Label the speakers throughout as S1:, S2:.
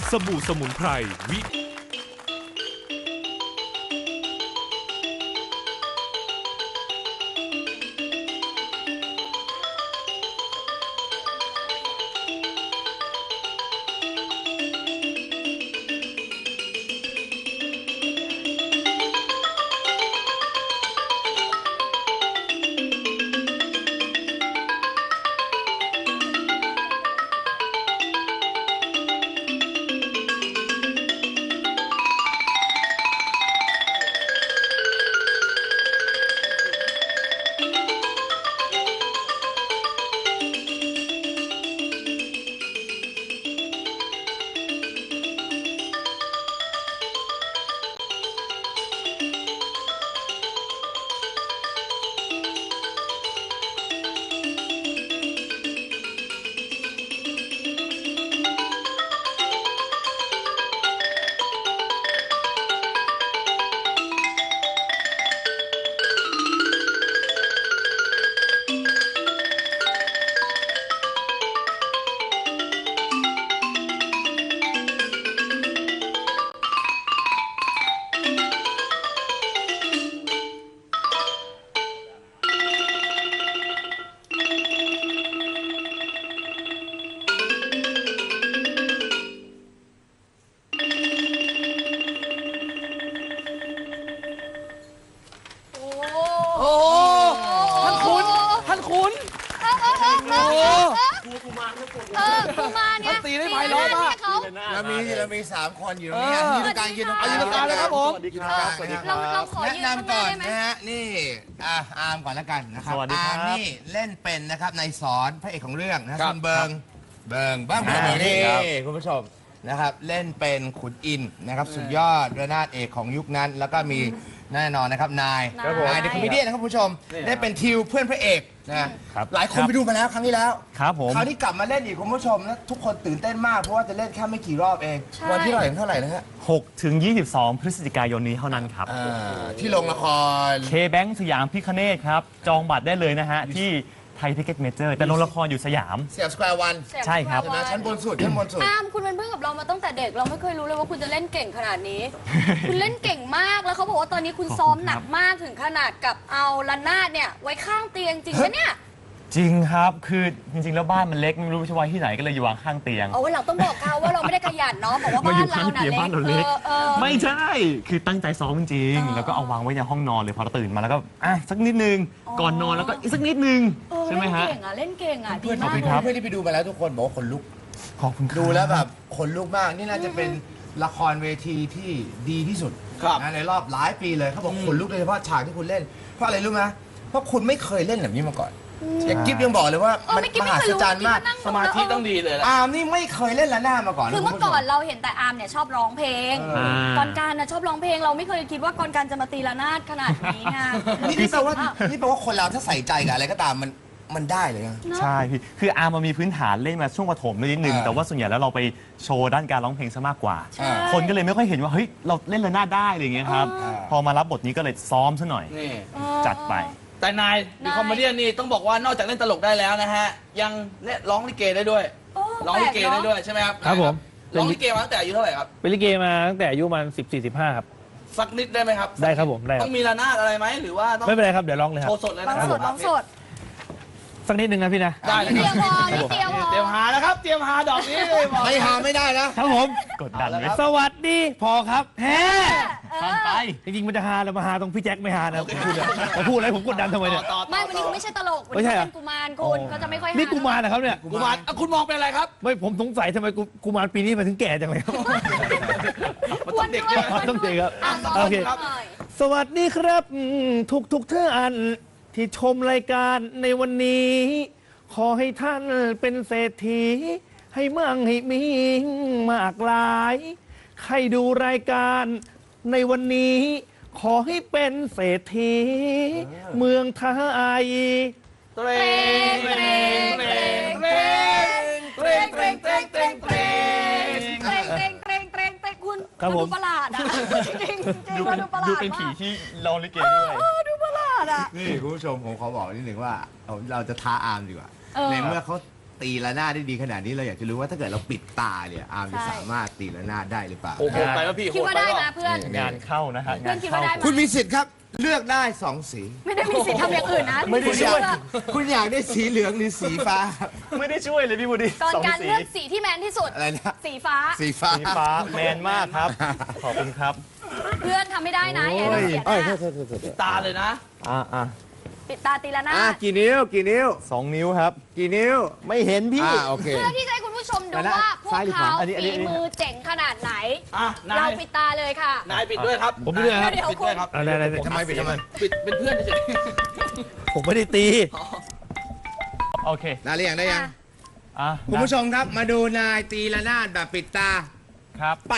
S1: สบู่สมุนไพรวิ
S2: เรามี3 คนอยู่ตรงนี้ยืนตรงกลางยืนตรงกลางเลยครับผมเราขอแนะนำก่อนนะฮะนี่อาร์มก่อนแล้วกันนะครับอาร์มนี่เล่นเป็นนะครับในสอนพระเอกของเรื่องนะส่วนเบิงนี่คุณผู้ชมนะครับเล่นเป็นขุนอินนะครับสุดยอดระนาดเอกของยุคนั้นแล้วก็มีแน่นอนนะครับนายเดอะคอมเมดี้นะครับคุณผู้ชมได้เป็นทิวเพื่อนพระเอกนะหลายคนไปดูมาแล้วครั้งที่แล้ว
S3: ครับผม
S2: คราวนี้กลับมาเล่นอีกคุณผู้ชมนะทุกคนตื่นเต้นมากเพราะว่าจะเล่นแค่ไม่กี่รอบเองวันที่เท่าไหร่นะฮะ
S3: 6 ถึง 22 พฤศจิกายนนี้เท่านั้นครับ
S2: ที่โรงละคร
S3: เคแบงค์สยามพิคเนตครับจองบัตรได้เลยนะฮะที่ไทยทิเก็ตเมเจอร์แต่โรงละครอยู่สยาม
S2: สแควร์วัน
S3: ใช่ครับ
S2: ชั้นบนสุด
S4: คุณเป็นเพื่อนกับเรามาตั้งแต่เด็กเราไม่เคยรู้เลยว่าคุณจะเล่นเก่งขนาดนี้ คุณเล่นเก่งมากแล้วเขาบอกว่าตอนนี้คุณซ้อมหนักมากถึงขนาดกับเอาระนาดเนี่ยไว้ข้างเตียงจริงไหมเนี่ย
S3: จริงครับคือจริงๆแล้วบ้านมันเล็กไม่รู้จะไว้ที่ไหนก็เลยอยู่วางข้างเตียง
S4: วันหลังต้องบอกเขาว่าเราไม่ได้ขยันเนาะบอกว่าบ้านเราเล็ก
S3: ไม่ใช่คือตั้งใจซ้อมจริงแล้วก็เอาวางไว้ในห้องนอนเลยพอเราตื่นมาแล้วก็สักนิดนึงก่อนนอนแล้วก็อีกสักนิดนึงใช่ไหมฮะ
S4: เล่นเก่งอ่ะดีมาก
S2: เพื่อนที่ไปดูมาแล้วทุกคนบอกว่าขนลุก
S3: ขอบคุณ
S2: ดูแล้วแบบขนลุกมากนี่น่าจะเป็นละครเวทีที่ดีที่สุดในรอบหลายปีเลยเขาบอกขนลุกโดยเฉพาะฉากที่คุณเล่นเพราะอะไรรู้ไหมเพราะคุณไม่เคยเล่นแบบนี้มาก่อนกิ๊บยังบอกเลยว่ามันมหัศจรรย์มาก
S5: สมาธิต้องดีเลย
S2: อาร์มนี่ไม่เคยเล่นละนาดมาก่อน
S4: คือเมื่อก่อนเราเห็นแต่อาร์มเนี่ยชอบร้องเพลงกรการชอบร้องเพลงเราไม่เคยคิดว่ากรการจะมาตีละนาดขนาดนี้ไง
S2: นี่แปลว่าคนเราถ้าใส่ใจกับอะไรก็ตามมันได้เลย
S3: ใช่พี่คืออาร์มมันมีพื้นฐานเล่นมาช่วงประถมนิดนึงแต่ว่าส่วนใหญ่แล้วเราไปโชว์ด้านการร้องเพลงซะมากกว่าคนก็เลยไม่ค่อยเห็นว่าเฮ้ยเราเล่นละนาดได้อะไรอย่างเงี้ยครับพอมารับบทนี้ก็เลยซ้อมซะหน่อยจัดไป
S5: แต่นายดูคอมเมดี้นี่ต้องบอกว่านอกจากเล่นตลกได้แล้วนะฮะยังเล่นร้องลิเกได้ด้วยร้องลิเกได้ด้วยใช่ไหมครับ
S6: ครับผม
S5: ร้องลิเกมาตั้งแต่อายุเท่าไหร่ครับ
S6: เป็นลิเกมาตั้งแต่อายุมัน14-15ครับ
S5: สักนิดได้ไหมครับ
S6: ได้ครับผมได้
S5: ต้องมีระนาดอะไรไหมหรือว่า
S6: ไม่เป็นไรครับเดี๋ยวร้องเลยครับ
S5: โชว์สดเลยนะ
S4: ร้องสด
S6: สักนิดนึงนะพี่นะ
S5: ได้เลยเตรียมหาแล้วครับเตรียมหาดอกนี้
S2: ไม่หาไม่ได้นะครับ
S6: ผม
S3: กดดันเลย
S6: สวัสดีพอครับแฮ่
S3: ฟังไป
S6: จริงๆมันจะหาแล้วมาหาตรงพี่แจ็คไม่หานะผมพูดอะไรผมกดดันทำไมเนี่ย
S4: ไม่วันนี้คุณไม่ใช่ตลกวันนี้เป็นกุมารคุณก็จะไม่ค่อย
S6: นี่กุมารนะครับเนี่ย
S5: กุมารคุณมองเป็นอะไรครับ
S6: ไม่ผมสงสัยทำไมกุมารปีนี้มาถึงแก่จังเลย
S5: มันต้องเด็กด้วย
S6: ต้องเด็กครับโอเคสวัสดีครับทุกท่านที่ชมรายการในวันนี้ขอให้ท่านเป็นเศรษฐีให้มั่งให้มีมากลายใครดูรายการในวันนี้ขอให้เป็นเศรษฐีเมืองไทย
S5: เตรงเตรงเตรงเตรงเตรงเตรงเตรงเตรง
S4: คุณดูประหลาดอ่ะจริง
S3: ดูเป็นผีที่ร้องลิเกด้วย
S4: ดูประหลาดอ่ะ
S2: นี่คุณผู้ชมผมขอบอกนิดหนึ่งว่าเราจะท้าอาร์มดีกว่าในเมื่อเขาตีระนาดได้ดีขนาดนี้เราอยากจะรู้ว่าถ้าเกิดเราปิดตาเนี่ยอาร์มจะ
S4: ใช่
S2: สามารถตีระนาดได้หรือเปล่า
S5: โอ้โหไปแล้วพี่โห
S4: คิด
S5: ด
S4: ว่า
S5: ไป
S4: ได้
S5: แล้ว
S4: นะเพื่อน
S3: งานเข้านะฮะ
S4: เพื่อนคิดว่าได้ไหม
S2: คุณมีสิทธิ์ครับเลือกได้2 สี
S4: ไม่ได้มีสิทธิ์ทำอย่างอื่นนะ
S3: ไม่ได้
S2: คุณ
S3: ช่
S2: อ
S3: วย
S2: ยากคุณอยากได้สีเหลืองหรือสีฟ้าครับ
S3: ไม่ได้ช่วยเลยพี่บูดี
S4: ก่อน
S3: สอง
S4: การ
S3: สี
S4: เลือกสีที่แมนที่สุด
S2: อะไรนะ
S4: สีฟ้า
S2: สีฟ้า
S3: สีฟ้าแมนมากครับ ขอบคุณครับ
S4: เพื่อนทำไม่ได้นะอย่าให้เราเสียหน้า
S5: ตาเลยนะ
S4: ปิดตาตีละหน้าด
S2: กี่นิ้วกี่นิ้ว
S3: 2 นิ้วครับ
S2: กี่นิ้ว
S3: ไม่เห็นพี่
S2: โอเค
S4: เพื่อที่จะให้คุณผู้ชมดู
S2: ไปนะ
S4: ว่าพวก
S2: ซ้ายหรือข
S4: เขา
S2: วา
S3: อันนี้
S4: ฝีมือเจ๋งขนาดไหน
S5: อ่ะนา
S4: เรา
S5: ย
S4: ปิดตาเลยค่ะ
S5: นายปิดด้วยครับ
S6: ผมด้วยครับ
S4: เดี๋ยว
S5: ปิดด้วยครับ
S6: อะไร
S2: ทำไมปิดทำไม
S5: ปิดเป็นเพื่อนเฉย
S6: ผมไม่ได้ตี
S3: โอเค
S2: ได้หรือยังได้ยัง
S3: อ่ะ
S2: คุณผู้ชมครับมาดูนายตีระนาดแบบปิดตา
S3: ครับ
S2: ไป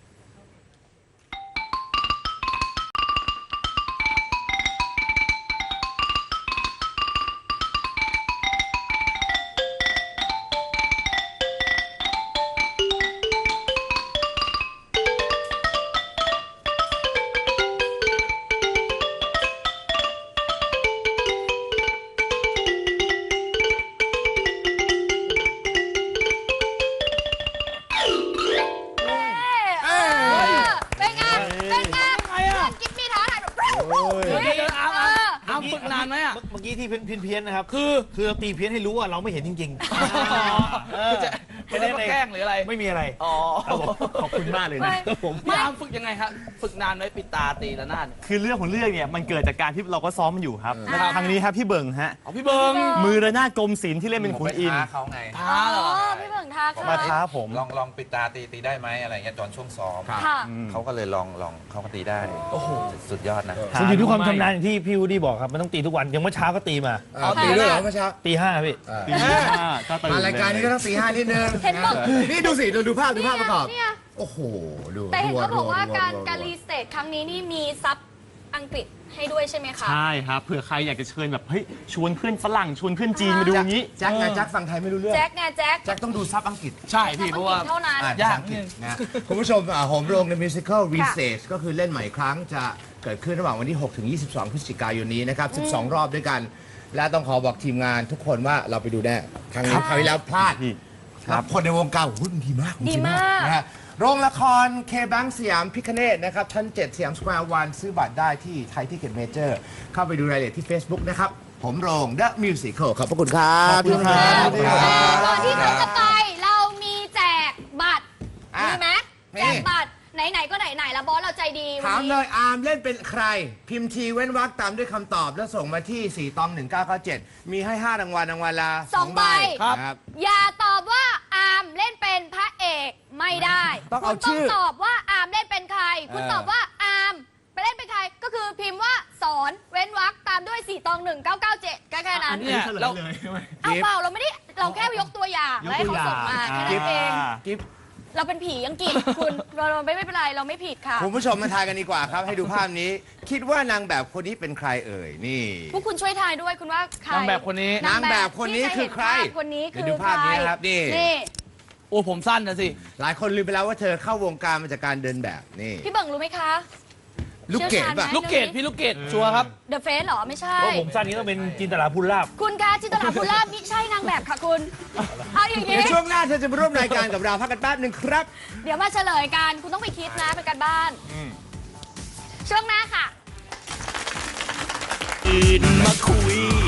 S4: เป็นไงเป็นไงเพื่อนกิ๊บมีท้าทายแบบ
S5: ๆเดี๋ยวเอาเอาฝึกนานไหมอ่ะ
S6: เมื่อกี้ที่เพี้ยนๆนะครับ คือเราตีเพี้ยนให้รู้ว่าเราไม่เห็นจริงๆ
S5: คือจะไม่ได้มาแกล้งหรืออะไร
S6: ไม่มีอะไร
S5: อ๋อ
S3: ขอบคุณมากเลยนะ
S5: พี่อาร์มฝึกยังไงครับ ฝึกนานไหมปิดตาตีละนาดเนี่ย
S3: คือเรื่องของเรื่องเนี่ยมันเกิดจากการที่เราก็ซ้อมมันอยู่ครับ
S5: ครับ
S3: ทางนี้ครับพี่เบิงฮะ
S5: เอาพี่เบิง
S3: มือระนาดกรมศิลป์ที่เล่นเป็นขุนอินทร์
S1: เขาไง
S5: ท้าเหรอ
S4: พี่เบิ่งท้าค่ะ
S3: มาท้าผม
S1: ลองปิดตาตีได้ไหมอะไรเงี้ยตอนช่วงซ้อม
S4: ค่ะ
S1: เขาก็เลยลองเขาก็ตีได้ โอ้โห สุดยอดนะ
S6: มันอยู่ที่ความชำนาญอย่างที่พี่วูดดี้บอกครับ มันต้องตีทุกวัน อย่างเมื่อเช้าก็ตีมา
S2: ตีด้วยเหรอเมื่อเช้า
S6: ตี 5 พี่
S3: ตีห้าก็ตื่น
S2: มารายการนี้ก็ต้องตี5นิดนึง
S4: เห็นบอก
S2: นี่ดูสิดูภาพประกอบ
S4: เนี่ย
S2: โอ้โหดู
S4: แต่เห็นเขาบอกว่า
S2: รัว
S4: การรีสเตทครั้งนี้นี่มีซับอังกฤษให้ด้วยใช่ไหมคะ
S3: ใช่ครับเผื่อใครอยากจะเชิญแบบเฮ้ยชวนเพื่อนฝรั่งชวนเพื่อนจีนมาดูอย่างนี้
S2: แจ็คไงแจ็คฟังไทยไม่รู้เรื่อง
S4: แจ็คไงแจ็ค
S2: แจ็คต้องดูซับอังกฤษ
S5: ใช่พี่เพราะว่า
S4: เท่านั้น
S2: อ่าน
S5: ยาก
S2: ภษอังฤษนะคุณผู้ชมโหมโรงในมิวสิควลรีเซสก็คือเล่นใหม่ครั้งจะเกิดขึ้นระหว่างวันที่ 6 ถึง 22 พฤศจิกายนนี้นะครับ 12 รอบด้วยกัน และต้องขอบอกทีมงานทุกคนว่าเราไปดูแน่ครั้งนี้คราวที่แล้วพลาด
S3: พี่
S2: ครับคนในวงการโอ้โหมันดีมาก
S4: ดีมาก
S2: นะฮะโรงละครเคบังสยามพิคเนตนะครับชั้น 7 สยามสแควร์วันซื้อบัตรได้ที่ไทยทิเก็ตเมเจอร์เข้าไปดูรายละเอียดที่ Facebook นะครับ ผมโรง The Musical ขอบพระคุณครับ
S3: ขอบคุณครับ
S2: พี่โรงครับ
S4: ก่อนที่เราจะไปเรามีแจกบัตร
S2: อ่ะ
S4: มีไหม
S2: มี
S4: แจกบัตรไหนๆก็ไหนๆแล้วบอสเราใจดีวั
S2: ถาม
S4: น
S2: เล
S4: นี้
S2: ยอาร์มเล่นเป็นใคร พิมพ์ทีเว้นวรรคตามด้วยคำตอบ แล้วส่งมาที่ 4 ตอง 1997 มีให้ 5 รางวัลรางวัลละ
S4: 2 ใบ
S2: ครับ
S4: อย่าตอบว่าอาร์มเล่นเป็นพระเอกไม่ได้
S2: ต้องเอา
S4: คุณ
S2: ชื่อ
S4: ตอบว่าอาร์มเล่นเป็นใคร คุณตอบว่าอาร์มไปเล่นเป็นใคร ก็คือพิมพ์ว่าสอนเว้นวรรคตามด้วย4 ตอง 1997แค่นั้น
S5: เนี่ยเรา
S4: เอาเปล่าเราไม่ได้เราแค่ยกตัวอย่างแล้วให้เขาส่งมาแค่นั้นเอง
S2: กิ๊บ
S4: เราเป็นผีอังกฤษคุณเราไม่เป็นไรเราไม่ผิดค่ะ
S2: คุณผู้ชมมาทายกันดีกว่าครับ ให้ดูภาพนี้ คิดว่านางแบบคนนี้เป็นใครเอ่ย นี่
S4: พวกคุณช่วยทายด้วยคุณว่าใคร
S5: นางแบบคนนี้
S2: นางแบบคนนี้คือใคร
S4: ที่จะเห็นภาพคนนี้คื
S2: เดี๋ยว
S4: อ
S2: ดูภาพนี้นะครับนี่
S4: นี่
S5: โอ้ผมสั้นนะสิ
S2: หลายคนลืมไปแล้วว่าเธอเข้าวงการมาจากการเดินแบบนี่
S4: พี่เบิ่งรู้ไหมคะ
S2: ลูกเกดป่ะ
S4: เชี่ยวชาญไหม
S5: ลูกเกดพี่ลูกเกดชัวร์ครับ
S4: เดอะเฟสเหรอ ไม่ใช่
S6: เพราะผมสั้นนี้ต้องเป็นจินตลาพูลลาบ
S4: คุณคะจินตลาภูลาภมิใช่นางแบบค่ะคุณ เอาอย่าง
S2: เดี๋
S4: นี้
S2: ยวช่วงหน้าเธอจะมาร่วมรายการกับเราพักกันแป๊บหนึ่งครับ
S4: เดี๋ยวมาเฉลยกัน คุณต้องไปคิดนะเป็นการบ้าน ช่วงหน้าค่ะ
S6: อื่นมาคุย